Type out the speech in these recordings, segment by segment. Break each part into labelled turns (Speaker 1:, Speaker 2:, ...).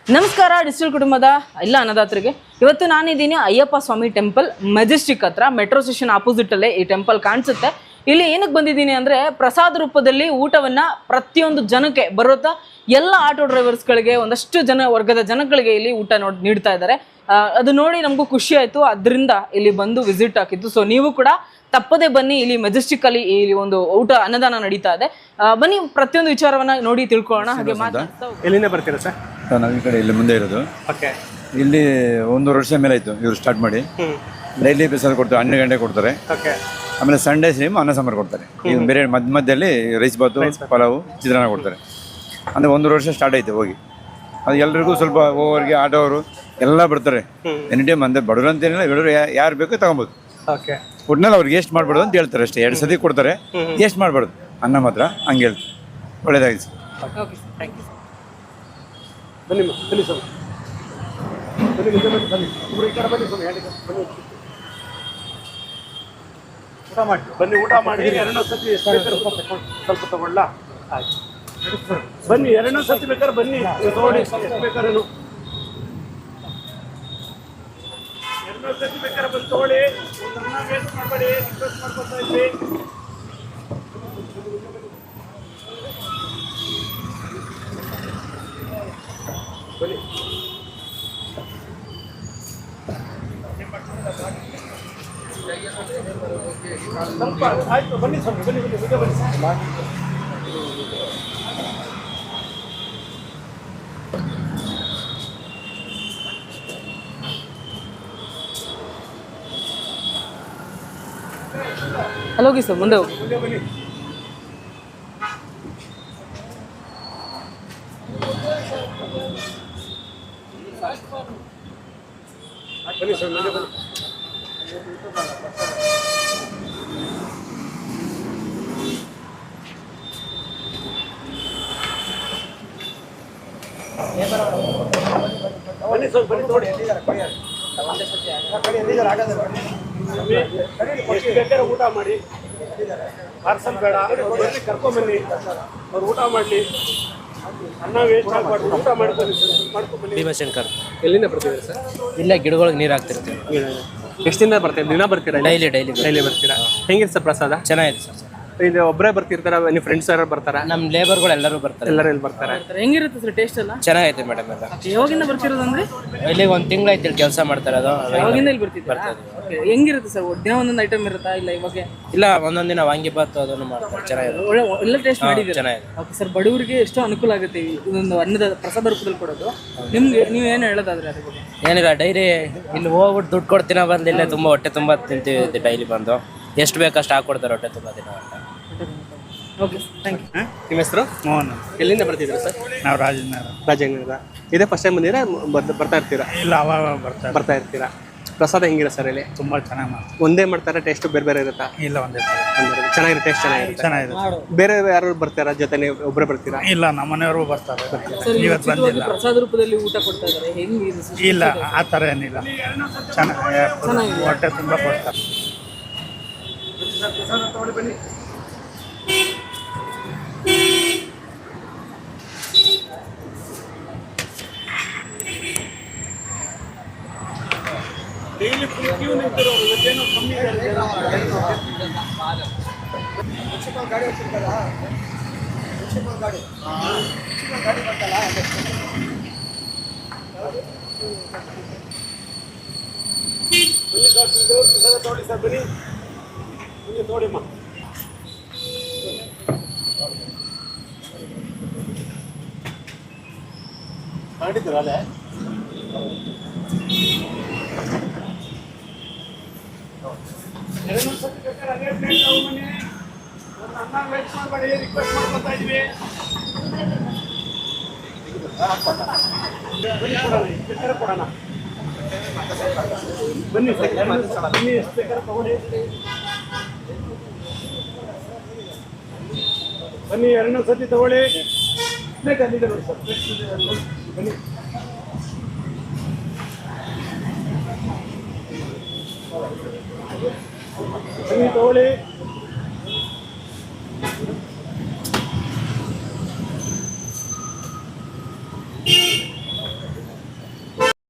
Speaker 1: ನಮಸ್ಕಾರ ಡಿಜಿಟಲ್ ಕುಟುಂಬದ ಎಲ್ಲ ಅನ್ನದಾತರಿಗೆ. ಇವತ್ತು ನಾನಿದ್ದೀನಿ ಅಯ್ಯಪ್ಪ ಸ್ವಾಮಿ ಟೆಂಪಲ್ ಮೆಜೆಸ್ಟಿಕ್ ಹತ್ರ, ಮೆಟ್ರೋ ಸ್ಟೇಷನ್ ಆಪೋಸಿಟಲ್ಲೇ ಈ ಟೆಂಪಲ್ ಕಾಣಿಸುತ್ತೆ. ಇಲ್ಲಿ ಏನಕ್ಕೆ ಬಂದಿದ್ದೀನಿ ಅಂದರೆ, ಪ್ರಸಾದ ರೂಪದಲ್ಲಿ ಊಟವನ್ನು ಪ್ರತಿಯೊಂದು ಜನಕ್ಕೆ ಬರುತ್ತಾ ಎಲ್ಲ ಆಟೋ ಡ್ರೈವರ್ಸ್ಗಳಿಗೆ, ಒಂದಷ್ಟು ವರ್ಗದ ಜನಗಳಿಗೆ ಇಲ್ಲಿ ಊಟ ನೀಡ್ತಾ ಇದ್ದಾರೆ. ಅದು ನೋಡಿ ನಮಗೂ ಖುಷಿ ಆಯಿತು, ಅದರಿಂದ ಇಲ್ಲಿ ಬಂದು ವಿಸಿಟ್ ಹಾಕಿದ್ದು. ಸೊ ನೀವು ಕೂಡ ತಪ್ಪದೆ ಬನ್ನಿ. ಇಲ್ಲಿ ಮೆಜೆಸ್ಟಿಕ್ಕಲ್ಲಿ ಇಲ್ಲಿ ಒಂದು ಊಟ ಅನ್ನದಾನ ನಡೀತಾ ಇದೆ. ಬನ್ನಿ ಪ್ರತಿಯೊಂದು ವಿಚಾರವನ್ನ ನೋಡಿ ತಿಳ್ಕೊಳ್ಳೋಣ. ಹಾಗೆ ಮಾತಾಡ್ತಾ
Speaker 2: ಎಲ್ಲಿಂದ ಬರ್ತೀರಾ ಸರ್?
Speaker 3: ನಾವು ಈ ಕಡೆ ಇಲ್ಲಿ ಮುಂದೆ ಇರೋದು.
Speaker 2: ಓಕೆ.
Speaker 3: ಇಲ್ಲಿ 1 ವರ್ಷ ಮೇಲೆ ಆಯಿತು ಇವರು ಸ್ಟಾರ್ಟ್ ಮಾಡಿ. ಡೈಲಿ ಪ್ರಸಾದ ಕೊಡ್ತಾರೆ, 12 ಗಂಟೆ ಕೊಡ್ತಾರೆ.
Speaker 2: ಓಕೆ.
Speaker 3: ಆಮೇಲೆ ಸಂಡೇ ಸೇಮ್ ಅನ್ನ ಸಾಂಬಾರು ಕೊಡ್ತಾರೆ. ಈಗ ಬೇರೆ ಮಧ್ಯದಲ್ಲಿ ರೈಸ್ ಬಾತು, ಪಲಾವು, ಚಿತ್ರಾನ್ನ ಕೊಡ್ತಾರೆ. ಅಂದರೆ 1 ವರ್ಷ ಸ್ಟಾರ್ಟ್ ಆಯಿತು ಹೋಗಿ. ಅದು ಎಲ್ರಿಗೂ ಸ್ವಲ್ಪ ಓವರ್ಗೆ ಆಟೋವರು ಎಲ್ಲ ಬರ್ತಾರೆ. ಎನಿ ಟೈಮ್ ಅಂದರೆ ಬಡವರು ಅಂತೇನಿಲ್ಲ, ಬಡವರು ಯಾರು ಬೇಕೋ ತಗೊಬೋದು.
Speaker 2: ಓಕೆ.
Speaker 3: ಒಟ್ಟಿನಲ್ಲಿ ಅವ್ರಿಗೆ ಎಷ್ಟು ಮಾಡ್ಬಾರ್ದು ಅಂತ ಹೇಳ್ತಾರೆ ಅಷ್ಟೇ. 2 ಸತಿ ಕೊಡ್ತಾರೆ, ಎಷ್ಟು ಮಾಡ್ಬಾರ್ದು ಅನ್ನ ಮಾತ್ರ, ಹಂಗೆ ಹೇಳ್ತಾರೆ. ಒಳ್ಳೇದಾಗಿದೆ sir.
Speaker 1: Okay sir, thank you sir.
Speaker 2: ಬನ್ನಿ ಬನ್ನಿ ಸರ್, ಬನ್ನಿ ಬನ್ನಿ ಈ ಕಡೆ ಬನ್ನಿ ಬನ್ನಿ, ಊಟ ಮಾಡಿ ಬನ್ನಿ. ಊಟ ಮಾಡಿ 2 ಸತಿ ಸ್ವಲ್ಪ ತಗೊಳ್ಳ. ಆಯ್ತು ಬನ್ನಿ, 2 ಸತಿ ಬೇಕಾದ್ರೆ ಬನ್ನಿ ತಗೊಳ್ಳಿ. ಬೇಕಾದ್ರೆ 2 ಸತಿ ಬೇಕಾದ್ರೆ ಬಂದು ತಗೊಳ್ಳಿ. ವೇಸ್ಟ್ ಮಾಡಬೇಡಿ, ರಿಕ್ವೆಸ್ಟ್ ಮಾಡ್ಕೊತಾ ಇದ್ವಿ. ಬನ್ನಿ. ಸ್ವಲ್ಪ ಆಯ್ತು, ಬನ್ನಿ ಸ್ವಾಮಿ, ಬನ್ನಿ ಬನ್ನಿ ಬೇಗ ಬನ್ನಿ.
Speaker 1: ಅಲ್ಲಿ ಹೋಗಿ ಸರ್, ಮುಂದೆ ಹೋಗಿ.
Speaker 2: ಮುಂದೆ ಬನ್ನಿ. ಬನ್ನಿ ಸರ್, ಮುಂದೆ ಬನ್ನಿ. ಬನ್ನಿ ಸರ್, ಬನ್ನಿ ನೋಡಿ. ಎಷ್ಟು ಬೇಕಾದ್ರೆ ಊಟ ಮಾಡಿ, ಪಾರ್ಸಲ್ ಬೇಡ, ಬನ್ನಿ ಕರ್ಕೊಂಬನ್ನಿ. ಅವ್ರು ಊಟ ಮಾಡಲಿ, ಅನ್ನ ವೇಸ್ಟ್ ಆಗಬಾರ್ದು. ಊಟ ಮಾಡ್ಕೊಂಡು ಮಾಡ್ಕೊಂಬನ್ನಿ.
Speaker 4: ಭೀಮಶಂಕರ್.
Speaker 2: ಎಲ್ಲಿಂದ ಬರ್ತಿದ್ದೀರಿ ಸರ್?
Speaker 4: ಇಲ್ಲೇ ಗಿಡಗಳಿಗೆ ನೀರು ಹಾಕ್ತಿರ್ತೀವಿ.
Speaker 2: ಎಷ್ಟು ದಿನ ಬರ್ತೀರಾ? ದಿನ ಬರ್ತೀರಾ? ಡೈಲಿ ಬರ್ತೀರಾ? ಹೆಂಗಿದೆ ಸರ್ ಪ್ರಸಾದ?
Speaker 4: ಚೆನ್ನಾಗಿದೆ ಸರ್.
Speaker 2: ಇದು ಒಬ್ಬರೇ ಬರ್ತಿರ್ತಾರ, ನಿಮ್ಮ ಫ್ರೆಂಡ್ಸ್ ಯಾರು ಬರ್ತಾರಾ?
Speaker 4: ನಮ್ಮ ಲೇಬರ್ಗಳು ಎಲ್ಲರೂ ಬರ್ತಾರೆ.
Speaker 2: ಎಲ್ಲರೂ ಇಲ್ಲಿ ಬರ್ತಾರೆ.
Speaker 1: ಹೆಂಗಿರುತ್ತೆ ಸರ್ ಟೇಸ್ಟ್ ಎಲ್ಲ?
Speaker 4: ಚೆನ್ನಾಗೈತೆ ಮೇಡಮ್. ಎಲ್ಲ
Speaker 1: ಯಾವಾಗಿಂದ ಬರ್ತಿರೋದಂದ್ರೆ?
Speaker 4: ಇಲ್ಲಿಗೆ 1 ತಿಂಗಳಾಯ್ತು ಇಲ್ಲಿ ಕೆಲಸ ಮಾಡ್ತಾರೆ. ಅದು
Speaker 1: ಯಾವಾಗಿಂದ ಇಲ್ಲಿ ಬರ್ತಿದ್ದಾರೆ? ಹೆಂಗಿರುತ್ತೆ ಸರ್? ದಿನ ಒಂದೊಂದು ಐಟಮ್ ಇರುತ್ತಾ ಇಲ್ಲ ಇವಾಗ?
Speaker 4: ಇಲ್ಲ, ಒಂದೊಂದು ದಿನ ವಾಂಗಿಬಾತು ಅದನ್ನು ಮಾಡ್ತಾರೆ. ಚೆನ್ನಾಗಿದೆ,
Speaker 1: ಎಲ್ಲ ಟೇಸ್ಟ್ ಮಾಡಿದ್ದೀರಾ?
Speaker 4: ಚೆನ್ನಾಗಿದೆ.
Speaker 1: ಓಕೆ ಸರ್, ಬಡವರಿಗೆ ಎಷ್ಟೋ ಅನುಕೂಲ ಆಗುತ್ತೆ ಇದೊಂದು ಅನ್ನದ ಪ್ರಸಾದ ರೂಪದಲ್ಲಿ ಕೊಡೋದು. ನಿಮ್ಗೆ ನೀವು ಏನು ಹೇಳೋದಾದ್ರೆ ಅದ್ರ ಬಗ್ಗೆ?
Speaker 4: ಏನಿಲ್ಲ, ಡೈಲಿ ಇಲ್ಲಿ ಹೋಗ್ಬಿಟ್ಟು ದುಡ್ಡು ಕೊಡ್ತೀನ ಬಂದು ಇಲ್ಲೇ ತುಂಬ ಹೊಟ್ಟೆ ತುಂಬ ತಿಂತೀವಿ. ಡೈಲಿ ಬಂದು ಎಷ್ಟು ಬೇಕಷ್ಟು ಹಾಕ್ಕೊಡ್ತಾರೆ ಹೊಟ್ಟೆ ತುಂಬ ದಿನ ಅಂತ.
Speaker 1: Okay, thank you.
Speaker 2: ನಿಮ್ಮ ಹೆಸರು?
Speaker 5: ಮೋಹನ್.
Speaker 2: ಎಲ್ಲಿಂದ ಬರ್ತಿದ್ದೀರಾ ಸರ್?
Speaker 5: ನಾವು ರಾಜನಗರ.
Speaker 2: ರಾಜನಗರ. ಇದೇ ಫಸ್ಟ್ ಟೈಮ್ ಬಂದಿರಾ? ಬರ್ತಾ ಇರ್ತೀರಾ?
Speaker 5: ಇಲ್ಲ, ಅವಾಗ
Speaker 2: ಬರ್ತಾ ಇರ್ತೀರಾ. ಪ್ರಸಾದ ಹೆಂಗಿರ ಸರ್ ಇಲ್ಲಿ?
Speaker 5: ತುಂಬ ಚೆನ್ನಾಗಿ ಮಾಡ್ತಾರೆ.
Speaker 2: ಒಂದೇ ಮಾಡ್ತಾರೆ, ಟೇಸ್ಟ್ ಬೇರೆ ಬೇರೆ ಇರುತ್ತಾ?
Speaker 5: ಇಲ್ಲ, ಒಂದೇ
Speaker 2: ಚೆನ್ನಾಗಿರೋ ಟೇಸ್ಟ್ ಚೆನ್ನಾಗಿರುತ್ತೆ.
Speaker 5: ಚೆನ್ನಾಗಿದೆ.
Speaker 2: ಬೇರೆ ಯಾರು ಬರ್ತಾರಾ ಜೊತೆ, ನೀವು ಒಬ್ಬರೇ ಬರ್ತೀರಾ?
Speaker 5: ಇಲ್ಲ, ನಮ್ಮ ಮನೆಯವರು ಬರ್ತಾರೆ.
Speaker 1: ಸರ್,
Speaker 5: ಇವತ್ತು ಬಂದಿಲ್ಲ.
Speaker 1: ಪ್ರಸಾದ ರೂಪದಲ್ಲಿ ಊಟ ಕೊಡ್ತಾ ಇದ್ದಾರೆ, ಹೆಂಗಿದೆ?
Speaker 5: ಇಲ್ಲ, ಆ ಥರ ಏನಿಲ್ಲ. ಚೆನ್ನಾಗಿ ಹೊಟ್ಟೆ ತುಂಬ ಕೊಡ್ತಾರೆ. ಡೈಲಿ ಕ್ಯೂ ನಿಂತಿರೋ ಏನೋ ಕಮ್ಮಿ ತೋಡಿ ಸರ್, ಬನ್ನಿ ಮುಂದೆ ತೋಡಿಮ್ಮ. ಮಾಡಿದ್ದೀರಲ್ಲೇ? ಅನ್ನ ವೇಸ್ಟ್ ಮಾಡಬೇಡಿ, ರಿಕ್ವೆಸ್ಟ್ ಮಾಡ್ಕೊತಾ ಇದ್ವಿ. ಕೊಡೋಣ. ಬನ್ನಿ ಸರ್, ಬನ್ನಿ, ಎಷ್ಟು ಬೇಕಾದ್ರೆ ತಗೊಳ್ಳಿ. ಬನ್ನಿ, 2 ಸತಿ ತಗೊಳ್ಳಿ. ಬೇಕಾಗಿದೆ ನೋಡಿ ಸರ್, ಬನ್ನಿ. ಬನ್ನಿ ತಗೊಳ್ಳಿ.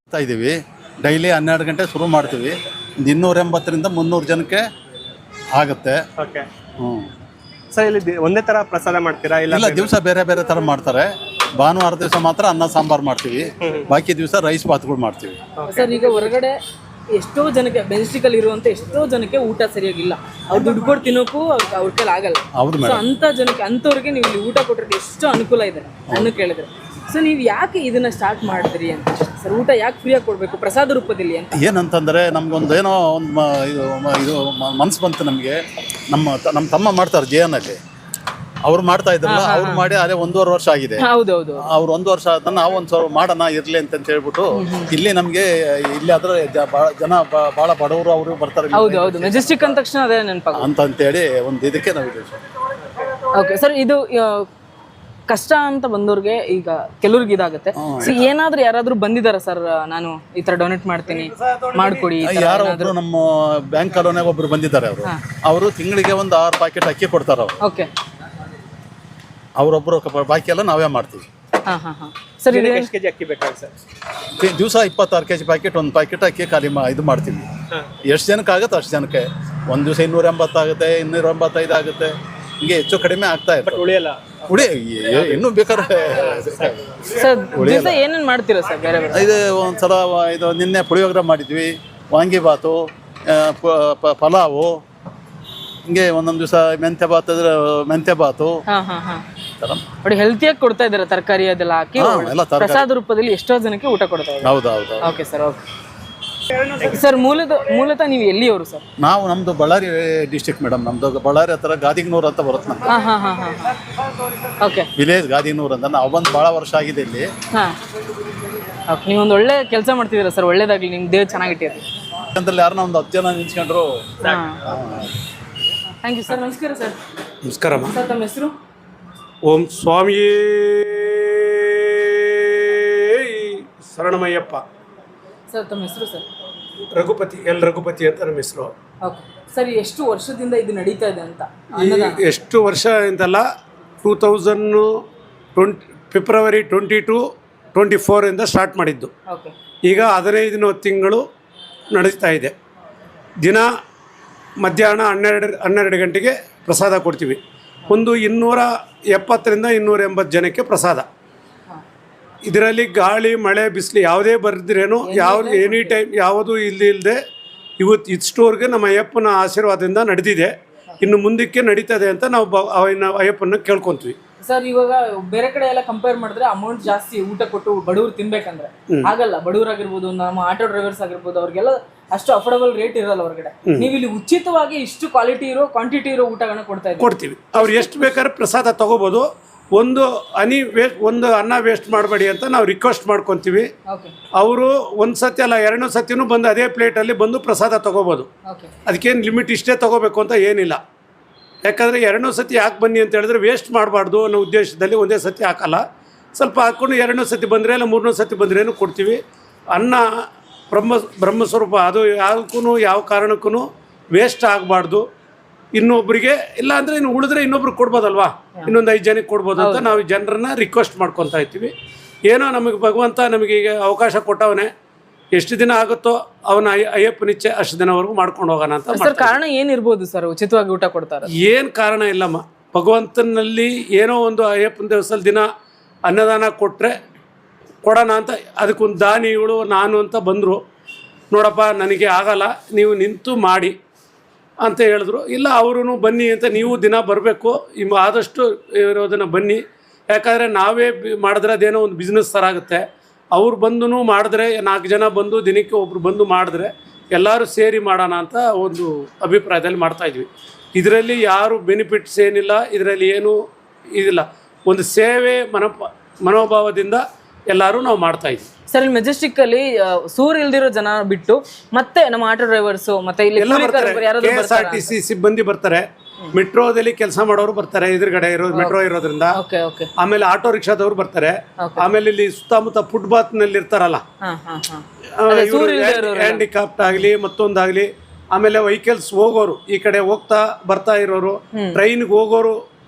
Speaker 6: ಇದ್ದೀವಿ ಡೈಲಿ 12 ಗಂಟೆ ಶುರು ಮಾಡ್ತೀವಿ. ಒಂದು 280ರಿಂದ 300 ಜನಕ್ಕೆ ಆಗುತ್ತೆ.
Speaker 7: ಓಕೆ
Speaker 6: ಹ್ಞೂ.
Speaker 7: ಸರ್ ಇಲ್ಲಿ ಒಂದೇ ತರ ಪ್ರಸಾದ ಮಾಡ್ತೀರಾ ಇಲ್ಲ
Speaker 6: ಇಲ್ಲ, ದಿವಸ ಬೇರೆ ಬೇರೆ ಥರ ಮಾಡ್ತಾರೆ. ಭಾನುವಾರ ದಿವಸ ಮಾತ್ರ ಅನ್ನ ಸಾಂಬಾರು ಮಾಡ್ತೀವಿ, ಬಾಕಿ ದಿವಸ ರೈಸ್ ಬಾತ್ಗಳು ಮಾಡ್ತೀವಿ.
Speaker 1: ಸರ್ ಈಗ ಹೊರಗಡೆ ಎಷ್ಟೋ ಜನಕ್ಕೆ ಮೆಜೆಸ್ಟಿಕಲ್ಲಿ ಇರುವಂತ ಎಷ್ಟೋ ಜನಕ್ಕೆ ಊಟ ಸರಿಯಾಗಿಲ್ಲ, ಅವ್ರು ದುಡ್ಡು ಕೊಟ್ಟು ತಿನ್ನೋಕ್ಕೂ ಅವ್ರ ಕೈಲಿ ಆಗಲ್ಲ.
Speaker 6: ಹೌದು
Speaker 1: ಸೊ
Speaker 6: ಮೇಡಮ್.
Speaker 1: ಅಂತ ಜನಕ್ಕೆ ಅಂಥವ್ರಿಗೆ ನೀವು ಇಲ್ಲಿ ಊಟ ಕೊಟ್ಟರೆ ಎಷ್ಟು ಅನುಕೂಲ ಇದೆ ನನ್ನ ಕೇಳಿದ್ರೆ. ಸೊ ನೀವು ಯಾಕೆ ಇದನ್ನ ಸ್ಟಾರ್ಟ್ ಮಾಡಿದ್ರಿ ಅಂತ ಸರ್? ಊಟ ಯಾಕೆ ಫ್ರೀಯಾಗಿ ಕೊಡಬೇಕು ಪ್ರಸಾದ ರೂಪದಲ್ಲಿ ಅಂತ?
Speaker 6: ಏನಂತಂದರೆ ನಮ್ಗೊಂದು ಏನೋ ಒಂದು ಇದು ಮನಸ್ಸು ಬಂತು ನಮಗೆ. ನಮ್ಮ ತಮ್ಮ ಮಾಡ್ತಾರೆ ಜೇನಲ್ಲಿ, ಅವ್ರು ಮಾಡ್ತಾ ಇದ್ರಲ್ಲ, ಅವ್ರು ಮಾಡಿ ಅದೇ 1.5 ವರ್ಷ ಆಗಿದೆ.
Speaker 1: ಹೌದೌದು.
Speaker 6: ಅವ್ರು 1 ವರ್ಷ ಆದ ನಾವು ಒಂದು ಸ್ವಲ್ಪ ಮಾಡೋಣ ಇರಲಿ ಅಂತ ಹೇಳ್ಬಿಟ್ಟು ಇಲ್ಲಿ ನಮಗೆ ಇಲ್ಲಿ ಆದರೆ ಜನ ಭಾಳ ಬಡವರು ಅವರು ಬರ್ತಾರೆ
Speaker 1: ಹೌದು ಹೌದು, ಮೆಜೆಸ್ಟಿಕ್ ಅಂದ ತಕ್ಷಣ ಅದೇ ನೆನಪಾಗ
Speaker 6: ಅಂತೇಳಿ ಒಂದು ಇದಕ್ಕೆ ನಾವು ಇದು.
Speaker 1: ಓಕೆ ಸರ್, ಇದು ಕಷ್ಟ ಅಂತ ಬಂದವ್ರಿಗೆ ಈಗ ಕೆಲವ್ರಿಗೆ ಇದಾಗುತ್ತೆ. ಸೊ ಏನಾದ್ರೂ ಯಾರಾದ್ರೂ ಬಂದಿದಾರ ಸರ್, ನಾನು ಈ ತರ ಡೊನೇಟ್ ಮಾಡ್ತೀನಿ ಮಾಡ್ಕೊಡಿ ಈ ತರ
Speaker 6: ಯಾರೋ
Speaker 1: ಏನಾದ್ರು?
Speaker 6: ಒಬ್ರು ನಮ್ಮ ಬ್ಯಾಂಕ್ ಕಾಲೋನಿಯಾಗ ಒಬ್ರು ಬಂದಿದ್ದಾರೆ. ಅವರು ತಿಂಗಳಿಗೆ ಒಂದು 6 ಪ್ಯಾಕೆಟ್ ಅಕ್ಕಿ ಕೊಡ್ತಾರೆ. ಅವರು
Speaker 1: ಓಕೆ,
Speaker 6: ಅವರೊಬ್ಬರು, ಬಾಕಿ ಎಲ್ಲ ನಾವೇ ಮಾಡ್ತೀವಿ.
Speaker 1: ಸರ್ ಇದು
Speaker 7: ಎಷ್ಟು ಕೆಜಿ ಅಕ್ಕಿ ಬೇಕಾಗುತ್ತೆ ಸರ್?
Speaker 6: ದಿವಸ 26 kg ಪ್ಯಾಕೆಟ್, ಒಂದು ಪ್ಯಾಕೆಟ್ ಅಕ್ಕಿ ಖಾಲಿ ಇದು ಮಾಡ್ತೀವಿ. ಎಷ್ಟು ಜನಕ್ಕೆ ಆಗುತ್ತೆ ಅಷ್ಟು ಜನಕ್ಕೆ. ಒಂದು ದಿವಸ 280 ಆಗುತ್ತೆ, 285 ಆಗುತ್ತೆ, ಹಿಂಗೆ ಹೆಚ್ಚು ಕಡಿಮೆ ಆಗ್ತಾ ಇರ್ತದೆ.
Speaker 7: ಉಳಿಯಲ್ಲ
Speaker 6: ಇನ್ನೂ ಬೇಕಾದ್ರೆ
Speaker 1: ಸರ್ ದಿವಸ ಏನೇನ್ ಮಾಡ್ತೀರಾ ಸರ್ ಬೇರೆ ಬೇರೆ?
Speaker 6: ಇದು ಒಂದ್ಸಲ ಇದು ನಿನ್ನೆ ಪುಳಿಯೋಗರೆ ಮಾಡಿದ್ವಿ, ವಾಂಗಿಬಾತು, ಪಲಾವು, ಹಿಂಗೆ ಒಂದೊಂದು ದಿವಸ ಮೆಂತ್ಯ ಬಾತು.
Speaker 1: ನೋಡಿ ಹೆಲ್ತಿಯಾಗಿ ಕೊಡ್ತಾ ಇದ್ದಾರೆ, ತರಕಾರಿ ಅದೆಲ್ಲ ಹಾಕಿ
Speaker 6: ಎಲ್ಲ ತರಕಾರಿ.
Speaker 1: ಪ್ರಸಾದ ರೂಪದಲ್ಲಿ ಎಷ್ಟೋ ಜನಕ್ಕೆ ಊಟ ಕೊಡ್ತಾ ಇದ್ದಾರೆ.
Speaker 6: ಹೌದೌದು.
Speaker 1: Okay sir, okay sir. ಮೂಲತಃ ನೀವು ಎಲ್ಲಿಯವರು ಸರ್?
Speaker 6: ನಮ್ದು ಬಳ್ಳಾರಿ ಡಿಸ್ಟ್ರಿಕ್ಟ್ ಮೇಡಮ್. ನಮ್ದು ಬಳ್ಳಾರಿ ಹತ್ರ ಗಾದಿಗ್ನೂರ್ ಅಂತ ಬರುತ್ತೆ ನಮ್ದು.
Speaker 1: ಓಕೆ,
Speaker 6: ವಿಲೇಜ್ ಗಾದಿಗ್ನೂರ್ ಅಂತ. ನಾವು ಬಂದು ಭಾಳ ವರ್ಷ ಆಗಿದೆ ಇಲ್ಲಿ.
Speaker 1: ಓಕೆ, ನೀವೊಂದು ಒಳ್ಳೆ ಕೆಲಸ ಮಾಡ್ತಿದ್ದೀರಾ ಸರ್, ಒಳ್ಳೇದಾಗ್ಲಿ, ನಿಮ್ಗೆ ದೇವ್ ಚೆನ್ನಾಗಿಟ್ಟಿರಿ.
Speaker 6: ಯಾಕಂದ್ರೆ ಯಾರನ್ನ ಒಂದು 10 ಜನ ನಿಂತ್ಕೊಂಡ್ರು.
Speaker 1: Thank you sir. ನಮಸ್ಕಾರ ಸರ್.
Speaker 2: ನಮಸ್ಕಾರಮ್ಮ.
Speaker 1: ಸರ್ ತಮ್ಮ ಹೆಸರು?
Speaker 2: ಓಂ ಸ್ವಾಮಿಯೇ ಶರಣಮಯ್ಯಪ್ಪ.
Speaker 1: ಸರ್ ತಮ್ಮ ಹೆಸರು ಸರ್?
Speaker 2: ರಘುಪತಿ ಅಂತ ನಮ್ಮ ಹೆಸರು.
Speaker 1: ಓಕೆ ಸರ್, ಎಷ್ಟು ವರ್ಷದಿಂದ ಇದು ನಡೀತಾ ಇದೆ ಅಂತ?
Speaker 2: ಎಷ್ಟು ವರ್ಷ ಅಂತಲ್ಲ, 2020 ಫೆಬ್ರವರಿ 22, 24 ಸ್ಟಾರ್ಟ್ ಮಾಡಿದ್ದು.
Speaker 1: ಓಕೆ, ಈಗ
Speaker 2: 15 ತಿಂಗಳು ನಡೆಸ್ತಾ ಇದೆ. ದಿನ ಮಧ್ಯಾಹ್ನ 12 ಗಂಟೆಗೆ ಪ್ರಸಾದ ಕೊಡ್ತೀವಿ. ಒಂದು 270ರಿಂದ 280 ಜನಕ್ಕೆ ಪ್ರಸಾದ. ಇದರಲ್ಲಿ ಗಾಳಿ ಮಳೆ ಬಿಸಿಲು ಯಾವುದೇ ಬರೆದ್ರೇನು ಎನಿ ಟೈಮ್ ಯಾವುದೂ ಇಲ್ಲದೆ ಇಷ್ಟೋರ್ಗೆ ನಮ್ಮ ಅಯ್ಯಪ್ಪನ ಆಶೀರ್ವಾದದಿಂದ ನಡೆದಿದೆ. ಇನ್ನು ಮುಂದಕ್ಕೆ ನಡೀತದೆ ಅಂತ ನಾವು ಅಯ್ಯಪ್ಪನ ಕೇಳ್ಕೊತೀವಿ.
Speaker 1: ಸರ್ ಇವಾಗ ಬೇರೆ ಕಡೆ ಎಲ್ಲ ಕಂಪೇರ್ ಮಾಡಿದ್ರೆ ಅಮೌಂಟ್ ಜಾಸ್ತಿ ಊಟ ಕೊಟ್ಟು ಬಡವ್ರು ತಿನ್ಬೇಕಂದ್ರೆ ಆಗಲ್ಲ. ಬಡವರಾಗಿರ್ಬೋದು, ನಮ್ಮ ಆಟೋ ಡ್ರೈವರ್ಸ್ ಆಗಿರ್ಬೋದು, ಅವ್ರಿಗೆಲ್ಲ ಅಷ್ಟು ಅಫೋರ್ಡಬಲ್ ರೇಟ್ ಇರಲ್ಲ ಹೊರಗಡೆ. ನೀವು ಇಲ್ಲಿ ಉಚಿತವಾಗಿ ಇಷ್ಟು ಕ್ವಾಲಿಟಿ ಇರೋ ಕ್ವಾಂಟಿಟಿ ಇರೋ ಊಟಗಳನ್ನ ಕೊಡ್ತೀವಿ.
Speaker 2: ಅವ್ರು ಎಷ್ಟು ಬೇಕಾದ್ರೆ ಪ್ರಸಾದ ತಗೋಬೋದು. ಒಂದು ಅನ್ನ ವೇಸ್ಟ್ ಮಾಡಬೇಡಿ ಅಂತ ನಾವು ರಿಕ್ವೆಸ್ಟ್ ಮಾಡ್ಕೊತೀವಿ. ಅವರು ಒಂದು ಸತಿ ಅಲ್ಲ 2 ಸತಿನೂ ಬಂದು ಅದೇ ಪ್ಲೇಟಲ್ಲಿ ಬಂದು ಪ್ರಸಾದ ತಗೋಬೋದು. ಅದಕ್ಕೇನು ಲಿಮಿಟ್ ಇಷ್ಟೇ ತಗೋಬೇಕು ಅಂತ ಏನಿಲ್ಲ. ಯಾಕಂದರೆ 2 ಸತಿ ಯಾಕೆ ಬನ್ನಿ ಅಂತ ಹೇಳಿದ್ರೆ ವೇಸ್ಟ್ ಮಾಡಬಾರ್ದು ಅನ್ನೋ ಉದ್ದೇಶದಲ್ಲಿ ಒಂದೇ ಸತಿ ಹಾಕಲ್ಲ, ಸ್ವಲ್ಪ ಹಾಕ್ಕೊಂಡು 2 ಸತಿ ಬಂದರೆ ಇಲ್ಲ 3 ಸತಿ ಬಂದ್ರೇನು ಕೊಡ್ತೀವಿ. ಅನ್ನ ಬ್ರಹ್ಮಸ್ವರೂಪ, ಅದು ಯಾವುದಕ್ಕೂ ಯಾವ ಕಾರಣಕ್ಕೂ ವೇಸ್ಟ್ ಆಗಬಾರ್ದು. ಇನ್ನೊಬ್ಬರಿಗೆ ಇಲ್ಲ ಅಂದರೆ ಇನ್ನು ಉಳಿದ್ರೆ ಇನ್ನೊಬ್ರಿಗೆ ಕೊಡ್ಬೋದಲ್ವಾ, ಇನ್ನೊಂದು 5 ಜನಕ್ಕೆ ಕೊಡ್ಬೋದು ಅಂತ ನಾವು ಜನರನ್ನ ರಿಕ್ವೆಸ್ಟ್ ಮಾಡ್ಕೊತಾ ಇರ್ತೀವಿ. ಏನೋ ನಮಗೆ ಭಗವಂತ ನಮಗೆ ಈಗ ಅವಕಾಶ ಕೊಟ್ಟವನೇ, ಎಷ್ಟು ದಿನ ಆಗುತ್ತೋ ಅವನ ಅಯ್ಯಪ್ಪನಿಚ್ಛೆ ಅಷ್ಟು ದಿನವರೆಗೂ ಮಾಡ್ಕೊಂಡು ಹೋಗೋಣ ಅಂತ.
Speaker 1: ಸರ್ ಕಾರಣ ಏನಿರ್ಬೋದು ಸರ್ ಉಚಿತವಾಗಿ ಊಟ ಕೊಡ್ತಾರೆ?
Speaker 2: ಏನು ಕಾರಣ ಇಲ್ಲಮ್ಮ, ಭಗವಂತನಲ್ಲಿ ಏನೋ ಒಂದು ಅಯ್ಯಪ್ಪನ ದೇವಸ್ಥಾನದಲ್ಲಿ ದಿನ ಅನ್ನದಾನ ಕೊಡೋಣ ಅಂತ ಅದಕ್ಕೊಂದು ದಾನಿಗಳು ನಾನು ಅಂತ ಬಂದರು. ನೋಡಪ್ಪ ನನಗೆ ಆಗಲ್ಲ, ನೀವು ನಿಂತು ಮಾಡಿ ಅಂತ ಹೇಳಿದ್ರು. ಇಲ್ಲ ಅವರು ಬನ್ನಿ ಅಂತ, ನೀವು ದಿನ ಬರಬೇಕು, ಆದಷ್ಟು ಇರೋದನ್ನು ಬನ್ನಿ. ಯಾಕಂದರೆ ನಾವೇ ಮಾಡಿದ್ರೆ ಅದೇನೋ ಒಂದು ಬಿಸ್ನೆಸ್ ಥರ ಆಗುತ್ತೆ. ಅವ್ರು ಬಂದು ಮಾಡಿದ್ರೆ 4 ಜನ ಬಂದು ದಿನಕ್ಕೆ ಒಬ್ರು ಬಂದು ಮಾಡಿದ್ರೆ ಎಲ್ಲರೂ ಸೇರಿ ಮಾಡೋಣ ಅಂತ ಒಂದು ಅಭಿಪ್ರಾಯದಲ್ಲಿ ಮಾಡ್ತಾಯಿದ್ವಿ. ಇದರಲ್ಲಿ ಯಾರು ಬೆನಿಫಿಟ್ಸ್ ಏನಿಲ್ಲ, ಇದರಲ್ಲಿ ಏನೂ ಇದಿಲ್ಲ. ಒಂದು ಸೇವೆ ಮನೋಭಾವದಿಂದ ಎಲ್ಲರೂ ನಾವು ಮಾಡ್ತಾಯಿದ್ವಿ.
Speaker 1: ಸರ್ ಇಲ್ಲಿ ಮೆಜೆಸ್ಟಿಕ್ ಅಲ್ಲಿ ಸೂರ್ ಇಲ್ದಿರೋ ಜನ ಬಿಟ್ಟು ಮತ್ತೆ ನಮ್ಮ ಆಟೋ ಡ್ರೈವರ್ಸ್ ಮತ್ತೆ ಇಲ್ಲಿ
Speaker 2: KSRTC ಸಿಬ್ಬಂದಿ ಬರ್ತಾರೆ, ಮೆಟ್ರೋದಲ್ಲಿ ಕೆಲಸ ಮಾಡೋರು ಬರ್ತಾರೆ, ಎದುರುಗಡೆ ಮೆಟ್ರೋ ಇರೋದ್ರಿಂದ. ಆಮೇಲೆ ಆಟೋ ರಿಕ್ಷಾದವ್ರು ಬರ್ತಾರೆ. ಆಮೇಲೆ ಇಲ್ಲಿ ಸುತ್ತಮುತ್ತ ಫುಟ್ಪಾತ್ ನಲ್ಲಿ ಇರ್ತಾರಲ್ಲ, ಹ್ಯಾಂಡಿಕ್ಯಾಪ್ಟ್ ಆಗಲಿ ಮತ್ತೊಂದಾಗ್ಲಿ, ಆಮೇಲೆ ವೆಹಿಕಲ್ಸ್ ಹೋಗೋರು, ಈ ಕಡೆ ಹೋಗ್ತಾ ಬರ್ತಾ ಇರೋರು, ಟ್ರೈನ್ಗೆ ಹೋಗೋರು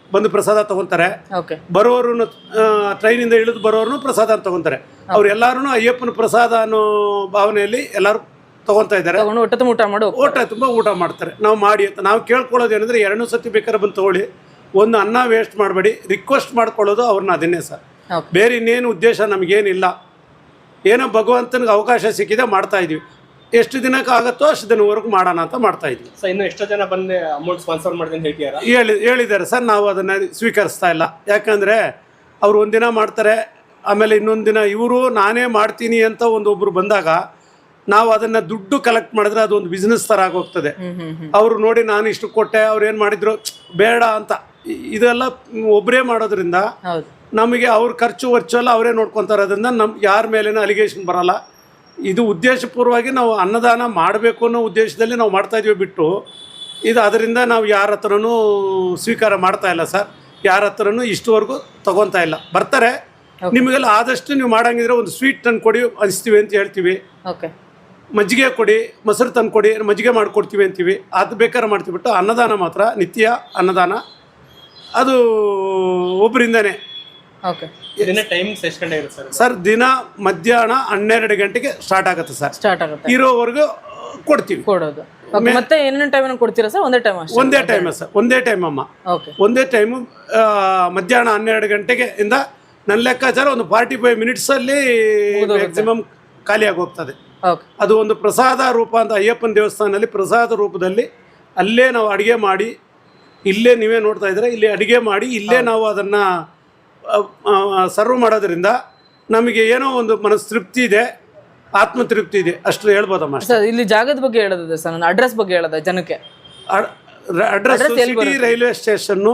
Speaker 2: ಬಂದು ಪ್ರಸಾದ ತಗೊಂತಾರೆ.
Speaker 1: ಓಕೆ
Speaker 2: ಬರೋರು ಟ್ರೈನಿಂದ ಇಳಿದು ಬರೋರು ಪ್ರಸಾದ ತಗೊಂತಾರೆ. ಅವ್ರೆಲ್ಲರೂ ಅಯ್ಯಪ್ಪನ ಪ್ರಸಾದ ಅನ್ನೋ ಭಾವನೆಯಲ್ಲಿ ಎಲ್ಲರೂ ತಗೊಂತಾ ಇದ್ದಾರೆ.
Speaker 1: ತಗೊಂಡು ಹೊಟ್ಟೆ ತುಂಬ ಊಟ ಮಾಡು
Speaker 2: ತುಂಬ ಊಟ ಮಾಡ್ತಾರೆ. ನಾವು ಮಾಡಿ ಅಂತ ನಾವು ಕೇಳ್ಕೊಳ್ಳೋದು ಏನಂದರೆ 2 ಸತಿ ಬೇಕಾದ್ರೆ ಬಂದು ತೊಗೊಳ್ಳಿ, ಒಂದು ಅನ್ನ ವೇಸ್ಟ್ ಮಾಡಬೇಡಿ, ರಿಕ್ವೆಸ್ಟ್ ಮಾಡ್ಕೊಳ್ಳೋದು ಅವ್ರನ್ನ ಅದನ್ನೇ ಸರ್. ಬೇರೆ ಇನ್ನೇನು ಉದ್ದೇಶ ನಮಗೇನಿಲ್ಲ. ಏನೋ ಭಗವಂತನಿಗೆ ಅವಕಾಶ ಸಿಕ್ಕಿದೆ ಮಾಡ್ತಾ ಇದೀವಿ. ಎಷ್ಟು ದಿನಕ್ಕೆ ಆಗುತ್ತೋ ಅಷ್ಟು ದಿನವರೆಗೂ ಮಾಡೋಣ ಅಂತ ಮಾಡ್ತಾ ಇದ್ವಿ.
Speaker 7: ಸೊ ಇನ್ನು ಎಷ್ಟೋ ಜನ ಬಂದು ಅಮೌಂಟ್ ಸ್ಪಾನ್ಸರ್ ಮಾಡ್ತೀನಿ ಹೇಳ್ತೀರಾ?
Speaker 2: ಹೇಳಿದ್ದಾರೆ ಸರ್, ನಾವು ಅದನ್ನು ಸ್ವೀಕರಿಸ್ತಾ ಇಲ್ಲ. ಯಾಕಂದರೆ ಅವ್ರು ಒಂದಿನ ಮಾಡ್ತಾರೆ, ಆಮೇಲೆ ಇನ್ನೊಂದು ದಿನ ಇವರು ನಾನೇ ಮಾಡ್ತೀನಿ ಅಂತ ಒಬ್ಬರು ಬಂದಾಗ ನಾವು ಅದನ್ನು ದುಡ್ಡು ಕಲೆಕ್ಟ್ ಮಾಡಿದ್ರೆ ಅದೊಂದು ಬಿಸ್ನೆಸ್ ಥರ ಆಗೋಗ್ತದೆ. ಅವರು ನೋಡಿ ನಾನು ಇಷ್ಟು ಕೊಟ್ಟೆ, ಅವ್ರು ಏನು ಮಾಡಿದ್ರು ಬೇಡ ಅಂತ. ಇದೆಲ್ಲ ಒಬ್ಬರೇ ಮಾಡೋದ್ರಿಂದ ನಮಗೆ ಅವ್ರ ಖರ್ಚು ವರ್ಚೆಲ್ಲ ಅವರೇ ನೋಡ್ಕೊತಾರೆ. ಅದರಿಂದ ಯಾರ ಮೇಲೇನೂ ಅಲಿಗೇಷನ್ ಬರೋಲ್ಲ. ಇದು ಉದ್ದೇಶಪೂರ್ವವಾಗಿ ನಾವು ಅನ್ನದಾನ ಮಾಡಬೇಕು ಅನ್ನೋ ಉದ್ದೇಶದಲ್ಲಿ ನಾವು ಮಾಡ್ತಾಯಿದ್ವಿ ಬಿಟ್ಟು ಇದು ಅದರಿಂದ ನಾವು ಯಾರ ಹತ್ರನೂ ಸ್ವೀಕಾರ ಮಾಡ್ತಾ ಇಲ್ಲ ಸರ್. ಯಾರ ಹತ್ರನೂ ಇಷ್ಟುವರೆಗೂ ತಗೊತಾ ಇಲ್ಲ. ಬರ್ತಾರೆ, ನಿಮಗೆಲ್ಲ ಆದಷ್ಟು ನೀವು ಮಾಡಂಗಿದ್ರೆ ಒಂದು ಸ್ವೀಟ್ ತಂದು ಕೊಡಿ ಅನಿಸ್ತೀವಿ ಅಂತ ಹೇಳ್ತೀವಿ.
Speaker 1: ಓಕೆ
Speaker 2: ಮಜ್ಜಿಗೆ ಕೊಡಿ, ಮೊಸರು ತಂದು ಕೊಡಿ, ಮಜ್ಜಿಗೆ ಮಾಡಿಕೊಡ್ತೀವಿ ಅಂತೀವಿ. ಅದು ಬೇಕಾದ್ರೆ ಮಾಡ್ತೀವಿ ಬಿಟ್ಟು ಅನ್ನದಾನ ಮಾತ್ರ ನಿತ್ಯ ಅನ್ನದಾನ ಅದು ಒಬ್ಬರಿಂದನೇ.
Speaker 1: ಓಕೆ
Speaker 7: ದಿನ ಟೈಮಿಂಗ್ಸ್ ಎಷ್ಟು ಗಂಟೆ ಇರುತ್ತೆ
Speaker 2: ಸರ್? ದಿನ ಮಧ್ಯಾಹ್ನ 12 ಗಂಟೆಗೆ ಸ್ಟಾರ್ಟ್ ಆಗುತ್ತೆ ಸರ್.
Speaker 1: ಸ್ಟಾರ್ಟ್ ಆಗುತ್ತೆ,
Speaker 2: ಇರೋವರೆಗೂ ಕೊಡ್ತೀವಿ.
Speaker 1: ಕೊಡೋದು. ಮತ್ತೆ ಏನೇನು ಟೈಮ್ ಕೊಡ್ತೀರಾ ಸರ್? ಒಂದೇ ಟೈಮ್?
Speaker 2: ಒಂದೇ ಟೈಮ್ ಸರ್, ಒಂದೇ ಟೈಮ್ ಅಮ್ಮ.
Speaker 1: ಓಕೆ
Speaker 2: ಒಂದೇ ಟೈಮು ಮಧ್ಯಾಹ್ನ 12 ಗಂಟೆಗೆ ಇಂದ ನನ್ನ ಲೆಕ್ಕಾಚಾರ ಒಂದು 45 ಮಿನಿಟ್ಸಲ್ಲಿ ಮ್ಯಾಕ್ಸಿಮಮ್ ಖಾಲಿಯಾಗಿ ಹೋಗ್ತದೆ.
Speaker 1: ಓಕೆ
Speaker 2: ಅದು ಒಂದು ಪ್ರಸಾದ ರೂಪ ಅಂತ ಅಯ್ಯಪ್ಪನ ದೇವಸ್ಥಾನದಲ್ಲಿ ಪ್ರಸಾದ ರೂಪದಲ್ಲಿ ಅಲ್ಲೇ ನಾವು ಅಡುಗೆ ಮಾಡಿ, ಇಲ್ಲೇ ನೀವೇ ನೋಡ್ತಾ ಇದ್ರೆ ಇಲ್ಲಿ ಅಡುಗೆ ಮಾಡಿ ಇಲ್ಲೇ ನಾವು ಅದನ್ನು ಸರ್ವ್ ಮಾಡೋದ್ರಿಂದ ನಮಗೆ ಏನೋ ಒಂದು ಮನಸ್ತೃಪ್ತಿ ಇದೆ, ಆತ್ಮತೃಪ್ತಿ ಇದೆ, ಅಷ್ಟು ಹೇಳ್ಬೋದಮ್ಮ.
Speaker 1: ಸರ್ ಇಲ್ಲಿ ಜಾಗದ ಬಗ್ಗೆ ಹೇಳೋದಿದೆ ಸರ್, ನನ್ನ ಅಡ್ರೆಸ್ ಬಗ್ಗೆ ಹೇಳೋದ ಜನಕ್ಕೆ?
Speaker 2: Address city railway station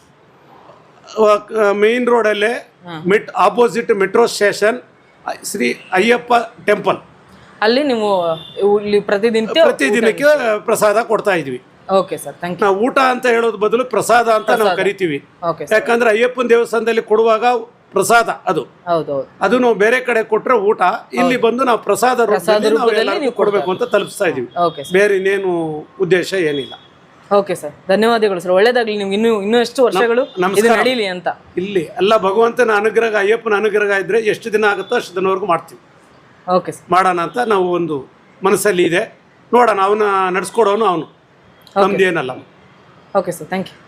Speaker 2: main ರೋಡಲ್ಲೇ opposite metro station, Shri Ayyappa temple.
Speaker 1: ಅಲ್ಲಿ ನೀವು ಇಲ್ಲಿ
Speaker 2: ಪ್ರತಿದಿನಕ್ಕೆ ಪ್ರಸಾದ ಕೊಡ್ತಾ ಇದ್ವಿ.
Speaker 1: Okay sir, thank you.
Speaker 2: ನಾವು ಊಟ ಅಂತ ಹೇಳೋದು ಬದಲು ಪ್ರಸಾದ ಅಂತ ನಾವು ಕರಿತೀವಿ.
Speaker 1: ಓಕೆ
Speaker 2: ಯಾಕಂದ್ರೆ ಅಯ್ಯಪ್ಪನ ದೇವಸ್ಥಾನದಲ್ಲಿ ಕೊಡುವಾಗ ಪ್ರಸಾದ ಅದು ನಾವು ಬೇರೆ ಕಡೆ ಕೊಟ್ರೆ ಊಟ, ಇಲ್ಲಿ ಬಂದು ನಾವು ಪ್ರಸಾದ ರೂಪದಲ್ಲಿ ಕೊಡಬೇಕು ಅಂತ ತಲುಪಿಸ್ತಾ ಇದೀವಿ. ಬೇರೆ ಇನ್ನೇನು ಉದ್ದೇಶ ಏನಿಲ್ಲ.
Speaker 1: ಓಕೆ ಸರ್, ಧನ್ಯವಾದಗಳು ಸರ್. ಒಳ್ಳೇದಾಗ್ಲಿ ನಿಮ್ಗೆ ಇನ್ನೂ ಎಷ್ಟು ವರ್ಷಗಳು ನಡೀಲಿ ಅಂತ.
Speaker 2: ಇಲ್ಲಿ ಎಲ್ಲ ಭಗವಂತನ ಅನುಗ್ರಹ, ಅಯ್ಯಪ್ಪನ ಅನುಗ್ರಹ ಇದ್ರೆ ಎಷ್ಟು ದಿನ ಆಗುತ್ತೋ ಅಷ್ಟು ದಿನವರೆಗೂ ಮಾಡ್ತೀವಿ.
Speaker 1: ಓಕೆ ಸರ್,
Speaker 2: ಮಾಡೋಣ ಅಂತ ನಾವು ಒಂದು ಮನಸ್ಸಲ್ಲಿ ಇದೆ. ನೋಡೋಣ, ಅವನ ನಡ್ಸ್ಕೊಡೋನು ಅವನು, ನಮ್ದೇನಲ್ಲ.
Speaker 1: Okay sir, thank you.